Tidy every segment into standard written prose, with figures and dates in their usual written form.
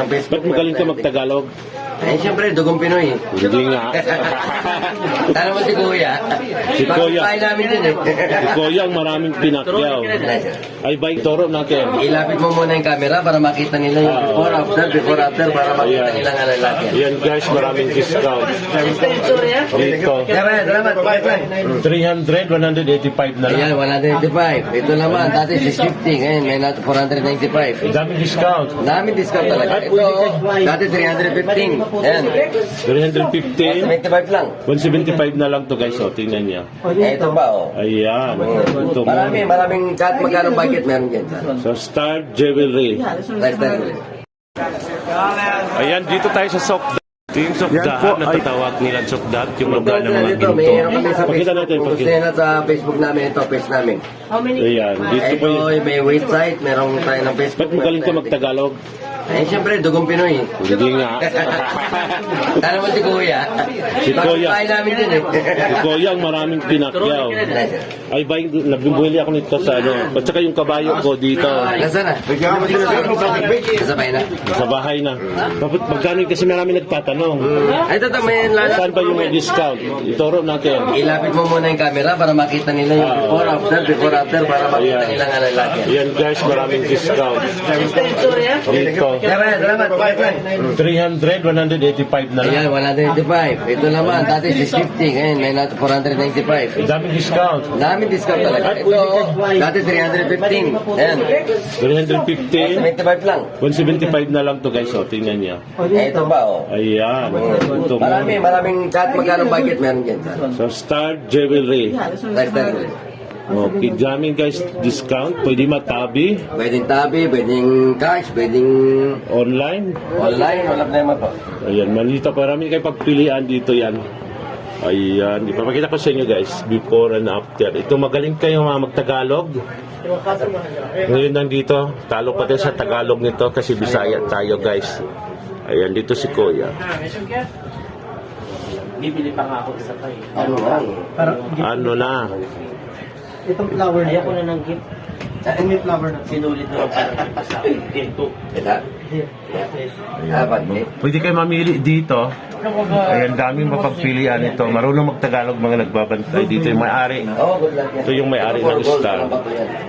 Facebook. Ba't magaling ka magtagalog? Eh, siyempre, dugong Pinoy. Hindi nga. Tara mo si Kuya. Si Kuya. Bahay namin din eh. Si Kuya ang maraming pinakyaw. Ay ba yung toro natin? Ilapit mo muna yung camera para makita nila yung before after para makita Ayan. nila nga lalaki. Yan guys, maraming discount. Dito. Kaya salamat. Bye. 300, 185 na Ayan, lang. 185. Ito naman, dati 650. Ngayon, may nato 495. Daming discount. Daming discount talaga. Ito, dati 315. Ayan. 315, 75 lang. 175 na lang to guys. O, tingnan niya. Eh, ito ba, oh. Ayan. Ito mo. Maraming kahit magkano budget meron dyan. So, Star Jewelry. Lifestyle. Ayan, dito tayo sa Sokdat. Ito yung Sokdat na tatawag nila Sokdat, yung lugar ng mga Dito, ginto. mayroon kami sa Pakita Facebook. natin, Kung gusto pakita. nyo na sa Facebook namin, ito, page namin. Ayan, dito po Ito, yun. may website, meron tayo ng Facebook. Ba't magaling ka magtagalog? Eh, siyempre, dugong Pinoy. Hindi nga. Tara mo si Kuya. Si Kuya. Bahay namin din eh. Si Kuya ang maraming pinakyaw. Ay ba yung nabibili ako nito sa ano. At saka yung kabayo ko dito. Nasaan na? Nasa bahay na. Sa bahay na. Bakit magkano yun? Kasi marami nagtatanong. Ay, ito, may lala. Saan ba yung may discount? Ituro natin. Ilapit mo muna yung camera para makita nila yung before after para makita nila nga lalaki. Yan guys, maraming discount. Dito. Kaya salamat. Bye. 300, 185 na lang. Ayan, 195. Ito naman, dati 650. Ngayon, may nato 495. Daming discount. Daming discount talaga. Ito, dati 315. Ayan. 315, 75 lang. 175 na lang to guys. O, tingnan niya. Eh, ito ba, oh. Ayan. Ito mo. Maraming kahit magkano budget meron dyan. So, Star Jewelry. Lifestyle. Okay, daming guys, discount. Pwede matabi, Pwedeng tabi, pwedeng cash, pwedeng online. online, wala problema po. Ayan, malito. Marami kayo pagpilian dito yan. Ayan, ipapakita ko sa inyo guys, before and after. Ito, magaling kayo mga magtagalog. Ngayon nandito, talo pa tayo sa Tagalog nito kasi Bisaya tayo guys. Ayan, dito si Kuya. Bibili pa nga ako isa pa eh. Ano nga? Ano na? Itong flower na ako na ng gift. May flower na. Sinulit na ako sa ginto. Ito? Apat, eh. Pwede kayo mamili dito. Ayan, daming mapagpilian ito. Marunong magtagalog mga nagbabantay. Dito yung may-ari. Oh, good luck yan. Ito yung may-ari ng Gold, Star. ano ba po yan?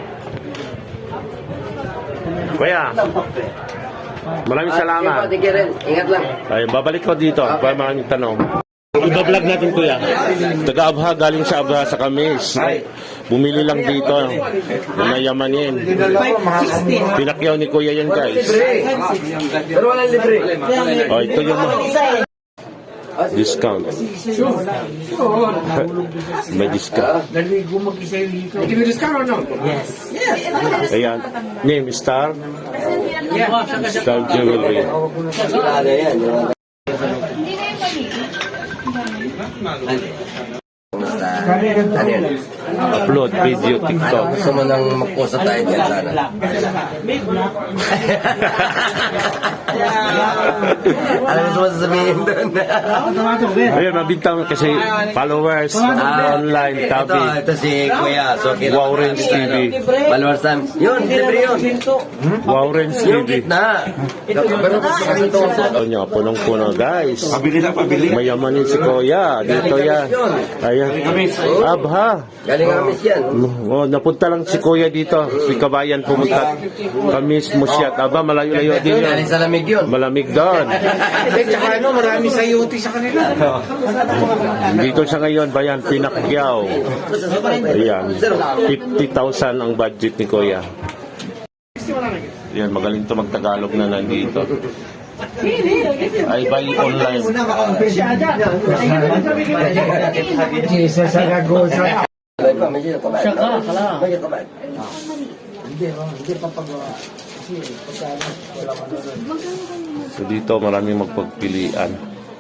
Kuya, maraming salamat. Thank you rin. Ingat lang. Ay, babalik ko dito. Para maraming tanong. Iba-vlog natin kuya. Taga-Abha, galing sa Abha sa Kamis. Bumili lang dito. Mayamanin. Pinakyaw ni kuya yan guys. Pero walang libre. O, ito yung discount. May discount. Give you discount or no? Yes. Ayan. Name, Star. Star Jewelry. Ano yan? Ano yan? Upload video, TikTok. Gusto mo nang mag-post na tayo dyan sana? Alam mo sa sasabihin doon? Ayun, mabintang kasi followers online, tabi. Ito si Kuya. So, Wow Range TV. Followers time. Yun, libre yun. Wow Range Yung TV. gitna. Pero kasi ito. Ito niya, punong-puno guys. Mayamanin si Kuya. Dito yan. Ayan. Abha. Galing Amis yan. Oh, napunta lang si Kuya dito. Si Kabayan pumunta. Kamis mo siya. Aba, malayo-layo din yun. Galing sa lamig yun. Malamig doon. Tsaka ano, marami sa UT sa kanila. Dito siya ngayon, bayan, Pinakyaw. Ayan. 50,000 ang budget ni Kuya. Ayan, magaling to magtagalog na nandito. Ay, buy online. Jesus, Saragosa. May pa, medyo kabay. Medyo kabay. So dito maraming magpagpilian.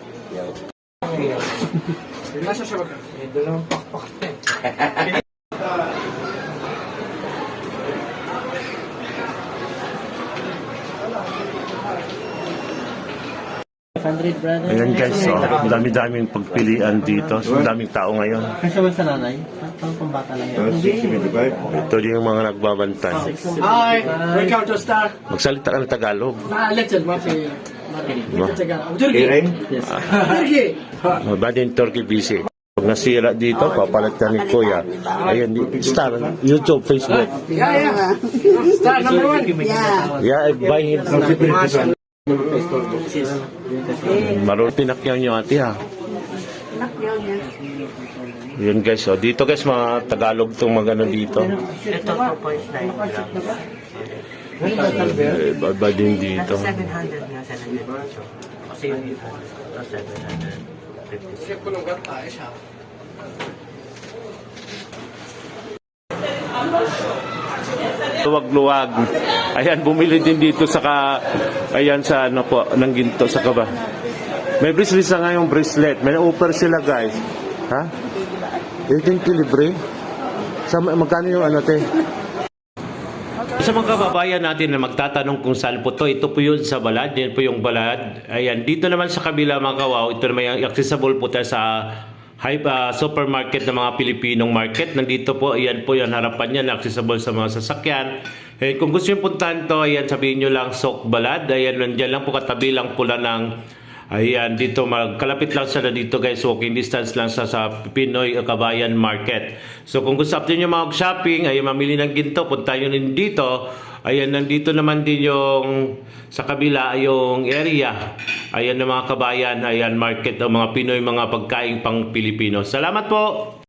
Nasa siya ba? May dalawang pakpak. brother. Ayan guys, so, dami-daming pagpilian dito. So, daming tao ngayon. Kasi ba sa nanay? Pang pambata lang yan. Ito din yung mga nagbabantay. Hi, welcome to Star. Magsalita ka ng Tagalog. Let's advance. Diba? Iring? Yes. Mabadi yung turkey busy. Pag nasira dito, papalit ka ni Kuya. Ayan, star, YouTube, Facebook. Yeah. Star number 1. Yeah, buy him. Marunong pinakyaw nyo ate ha. Yun guys, oh. Dito guys, mga Tagalog itong magano dito. Ito 2.9 grams. Ba din dito. 700 nga 700. Kasi yung ito 750. Luwag-luwag. Ayan, bumili din dito ayan sa ano po, ng ginto sa kaba. May bracelet sa ngayong bracelet. May offer sila guys. Ha? 18 libre. Magkano yung ano te? Sa mga kababayan natin na magtatanong kung saan po to, ito po yun sa Balad, yan po yung Balad. Ayan, dito naman sa kabila mga kawaw, ito naman yung accessible po tayo sa supermarket ng mga Pilipinong market. Nandito po, ayan po yung harapan niya, accessible sa mga sasakyan. Eh, kung gusto nyo puntahan to, ayan, sabihin nyo lang Sok Balad. Ayan, nandiyan lang po katabi lang pula ng ayan, dito kalapit lang sila dito guys, walking distance lang sa Pinoy Kabayan Market. So kung gusto nyo mag-shopping, ay mamili ng ginto, punta nyo din dito. Ayan, nandito naman din yung sa kabila, yung area. Ayan ng mga kabayan, ayan market o mga Pinoy, mga pagkain pang Pilipino. Salamat po!